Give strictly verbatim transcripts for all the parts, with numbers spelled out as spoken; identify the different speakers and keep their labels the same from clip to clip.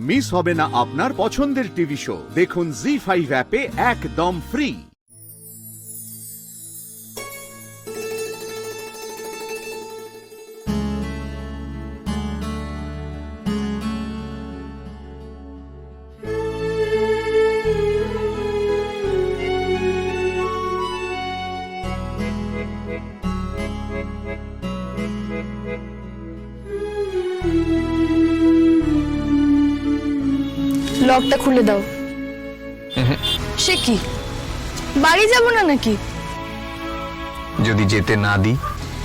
Speaker 1: Miss হবে না আপনার পছন্দের টিভি শো। দেখুন জি ফাইভ অ্যাপে একদম ফ্রি।
Speaker 2: লকটা খুলে দাও। সে কি, বাড়ি যাব না নাকি?
Speaker 3: যদি যেতে না দিই?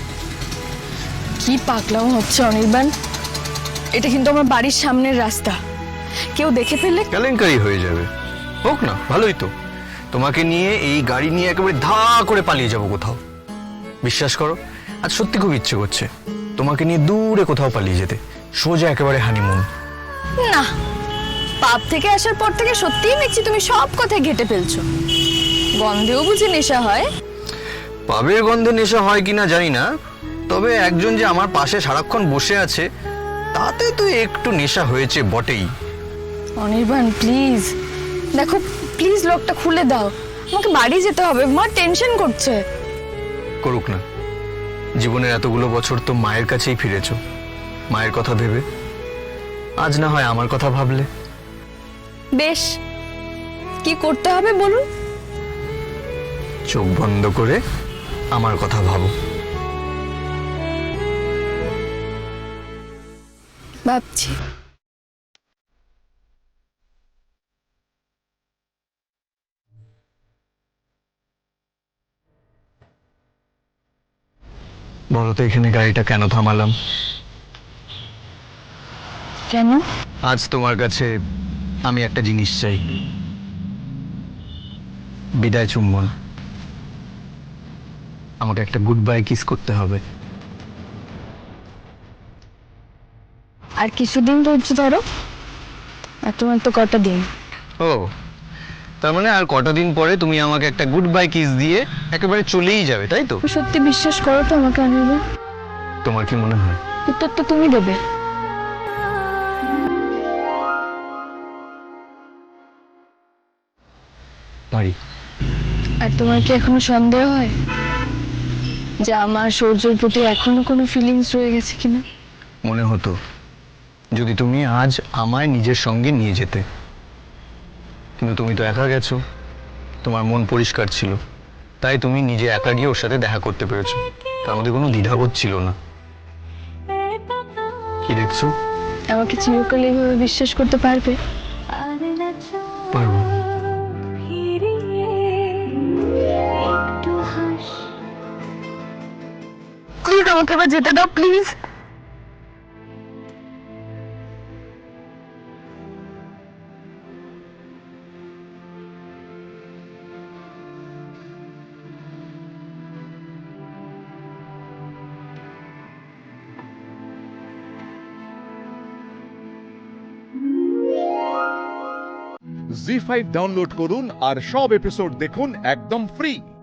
Speaker 2: কি পাগলাম হচ্ছে অনির্বাণ, এটা কিন্তু আমার বাড়ির সামনের রাস্তা, কেউ দেখে ফেললে
Speaker 3: কেলেঙ্কারি হয়ে যাবে। হোক না, ভালোই তো। তোমাকে নিয়ে এই গাড়ি নিয়ে একেবারে ধা করে পালিয়ে যাব কোথাও। বিশ্বাস করো, আজ সত্যি খুব ইচ্ছে করছে তোমাকে নিয়ে দূরে কোথাও পালিয়ে যেতে, সোজা একেবারে হানিমুন।
Speaker 2: না, পাপ থেকে আসার পর থেকে সত্যিই দেখছি তুমি সব কথায় ঘেটে ফেলছো। গন্ধেও বুঝি নেশা হয়?
Speaker 3: পাবের গন্ধে নেশা হয় কিনা জানি না, তবে একজন যে আমার পাশে সারাক্ষণ বসে আছে তাতে তো একটু নেশা হয়েছে বটেই।
Speaker 2: অনির্বাণ প্লিজ দেখো, প্লিজ লকটা খুলে দাও, আমাকে বাড়ি যেতে হবে, মা টেনশন করছে।
Speaker 3: করুক না, জীবনের এতগুলো বছর তো মায়ের কাছেই ফিরেছো, মায়ের কথা ভেবে। আজ না হয় আমার কথা ভাবলে।
Speaker 2: বেশ, কি করতে হবে বলুন?
Speaker 3: চোখ বন্ধ করে আমার কথা ভাবো।
Speaker 2: ভাবছি।
Speaker 3: বলো তো এখানে গাড়িটা কেন থামালাম?
Speaker 2: কেন?
Speaker 3: আজ তোমার কাছে আমি একটা জিনিস চাই, বিদায় চুম্বন। আমাকে একটা গুড বাই কিস করতে হবে।
Speaker 2: আর কিছুদিন ধৈর্য ধরো, আর তোমার তো কটা দিন।
Speaker 3: ও, তার মানে আর কটা দিন পরে তুমি আমাকে একটা গুড বাই কিস দিয়ে একেবারে চলেই যাবে, তাই তো?
Speaker 2: সত্যি বিশ্বাস করো তো আমাকে অনির্বাণ?
Speaker 3: তোমার কি মনে হয়?
Speaker 2: উত্তর তো তুমি দেবে।
Speaker 3: পারি।
Speaker 2: আর তোমার কি এখনো সন্দেহ হয় যে আমার সূর্যের প্রতি এখনো কোনো ফিলিংস রয়ে গেছে কিনা?
Speaker 3: মনে হতো যদি তুমি আজ আমায় নিজের সঙ্গে নিয়ে যেতে, কিন্তু তুমি তো একা গেছো, তোমার মন পরিষ্কার ছিল, তাই তুমি নিজে একা গিয়ে ওর সাথে দেখা করতে পেরেছো, তার মধ্যে কোনো দ্বিধাবোধ ছিল না। কি দেখছো?
Speaker 2: আমাকে চিরকাল এইভাবে বিশ্বাস করতে পারবে?
Speaker 3: পারবো।
Speaker 2: প্লিজ আমাকে এবার যেতে দাও, প্লিজ।
Speaker 1: জি ফাইভ ডাউনলোড করুন আর সব এপিসোড দেখুন একদম ফ্রি।